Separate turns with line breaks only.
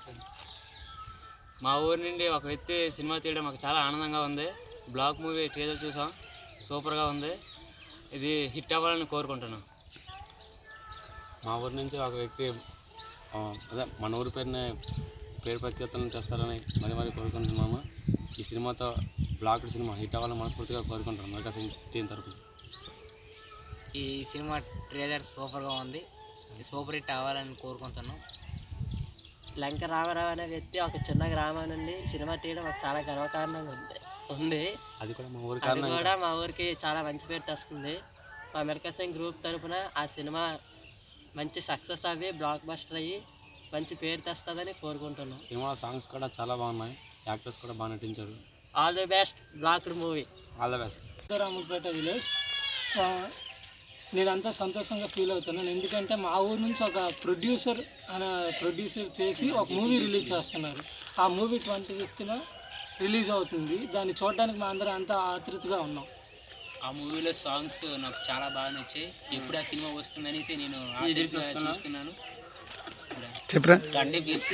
మా ఊరి నుండి ఒక వ్యక్తి సినిమా తీయడం మాకు చాలా ఆనందంగా ఉంది. బ్లాక్ మూవీ ట్రైలర్ చూసాం, సూపర్గా ఉంది. ఇది హిట్ అవ్వాలని కోరుకుంటున్నాం.
మా ఊరి నుంచి ఒక వ్యక్తి అదే మన ఊరి పేరు ప్రఖ్యాతలను చేస్తారని మరి కోరుకుంటున్నాము. ఈ సినిమాతో బ్లాక్డ్ సినిమా హిట్ అవ్వాలని మనస్ఫూర్తిగా కోరుకుంటున్నాం. మెగా టీం తరఫున
ఈ సినిమా ట్రైలర్ సూపర్గా ఉంది, సూపర్ హిట్ అవ్వాలని కోరుకుంటున్నాం.
లంక రామారావు అనే వ్యక్తి ఒక చిన్న గ్రామం నుండి సినిమా తీయడం మాకు చాలా గర్వకారణంగా ఉంది.
అది కూడా
మా ఊరికి చాలా మంచి పేరు తెస్తుంది. మా మెగా సింగ్ గ్రూప్ తరఫున ఆ సినిమా మంచి సక్సెస్ అయ్యి బ్లాక్ బస్టర్ అయ్యి మంచి పేరు తెస్తుందని కోరుకుంటున్నాం.
సినిమా సాంగ్స్ కూడా చాలా బాగున్నాయి, యాక్టర్స్ కూడా బాగా నటించారు.
All the best blocked movie.
All the best.
Ramapeta village. నేనంతా సంతోషంగా ఫీల్ అవుతున్నాను, ఎందుకంటే మా ఊరు నుంచి ఒక ప్రొడ్యూసర్ చేసి ఒక మూవీ రిలీజ్ చేస్తున్నారు. ఆ మూవీ 25న రిలీజ్ అవుతుంది. దాన్ని చూడడానికి మా అందరం అంతా ఆతృతగా ఉన్నాం.
ఆ మూవీలో సాంగ్స్ నాకు చాలా బాగా నచ్చాయి. ఎప్పుడు ఆ సినిమా వస్తుందనేసి నేను చూస్తున్నాను.
చెప్పరా
కండి పీస్తే